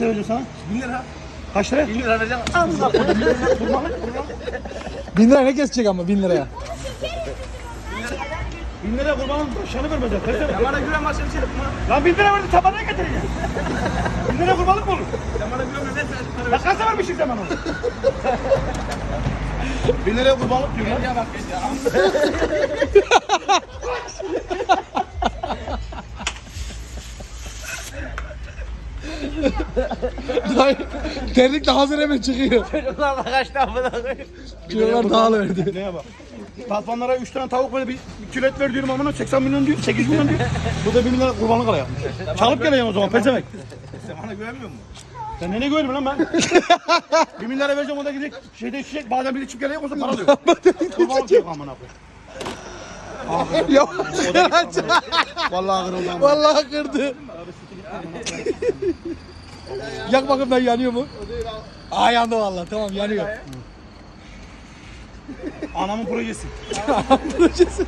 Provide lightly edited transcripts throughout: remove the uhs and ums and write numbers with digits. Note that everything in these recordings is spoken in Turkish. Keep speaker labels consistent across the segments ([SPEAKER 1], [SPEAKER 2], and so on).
[SPEAKER 1] Ne vereceğim sana?
[SPEAKER 2] 1000 lira.
[SPEAKER 1] Kaç lira?
[SPEAKER 2] 1000 lira vereceğim.
[SPEAKER 1] Allah kurbanlık.
[SPEAKER 3] 1000 lira ne kesecek ama 1000 liraya?
[SPEAKER 1] 1000 lira kurbanlık şanı vermezler.
[SPEAKER 2] Sen bana güven var sen şey yapma.
[SPEAKER 1] Lan 1000 lira verdi tabana getireceğim. 1000 lira kurbanlık mı olur?
[SPEAKER 2] Sen bana güven ver.
[SPEAKER 1] Ya kaç sefer bir şey zaman olur? 1000 liraya kurbanlık diyor lan.
[SPEAKER 2] Ya bak ya.
[SPEAKER 3] Terlikle hazır hemen çıkıyor.
[SPEAKER 2] Çocuklar da kaçtı amına koyayım.
[SPEAKER 3] Çocuklar dağılıverdi.
[SPEAKER 1] Neye bak? Tatvanlara 3 tane tavuk böyle bir kilo et ver diyorum amına 80 milyon diyor, 8 milyon diyor. Bu da 1000 lira kurbanlık ala yapmış. Çalıp geleceğim o zaman pezevenk.
[SPEAKER 2] Sen bana güvenmiyor musun?
[SPEAKER 1] Sen nene güvenmiyorsun lan ben? 1 milyara vereceğim o da gidecek şeyde içecek badem bir de çip geleyim o zaman para diyor. Kurbanlık yok amına koyayım.
[SPEAKER 3] Ya
[SPEAKER 1] Vallahi kırıldı amına.
[SPEAKER 3] vallahi kırdı. Yak bakayım ben yanıyor mu? Aa yandı vallahi tamam yanıyor.
[SPEAKER 1] Anamın projesi.
[SPEAKER 3] Projesi.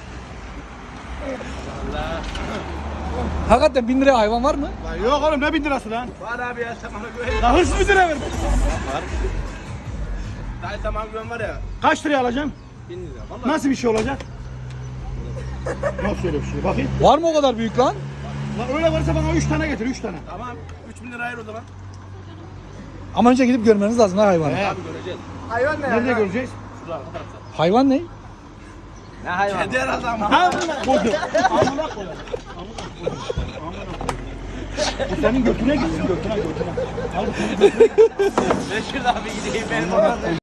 [SPEAKER 3] Hakikaten 1000 liraya hayvan var mı?
[SPEAKER 1] Lan yok oğlum ne 1000 lirası lan?
[SPEAKER 2] Var abi ya sen bana güven.
[SPEAKER 1] Lan hırsız 1000 lira verme.
[SPEAKER 2] Dayı sen bana güven var ya.
[SPEAKER 1] Kaç liraya alacağım?
[SPEAKER 2] 1000 lira. Vallahi.
[SPEAKER 1] Nasıl bir şey olacak? Nasıl öyle bir şey? Bakayım.
[SPEAKER 3] Var mı o kadar büyük lan?
[SPEAKER 1] Lan öyle varsa bana 3 tane getir 3 tane.
[SPEAKER 2] Tamam. 3000 lira ayır o zaman.
[SPEAKER 3] Ama önce gidip görmeniz lazım ha hayvanı.
[SPEAKER 1] He.
[SPEAKER 2] Abi göreceğiz.
[SPEAKER 1] Nerede göreceğiz?
[SPEAKER 2] Şurada arka tarafta.
[SPEAKER 3] Hayvan ne?
[SPEAKER 2] Ne hayvan? Kedi herhalde ama.
[SPEAKER 1] Amına koydum. Amına koydum. Bu senin götüne gitsin götüne. Al bu senin götüne.
[SPEAKER 2] Ben şurada abi gideyim benim oradan.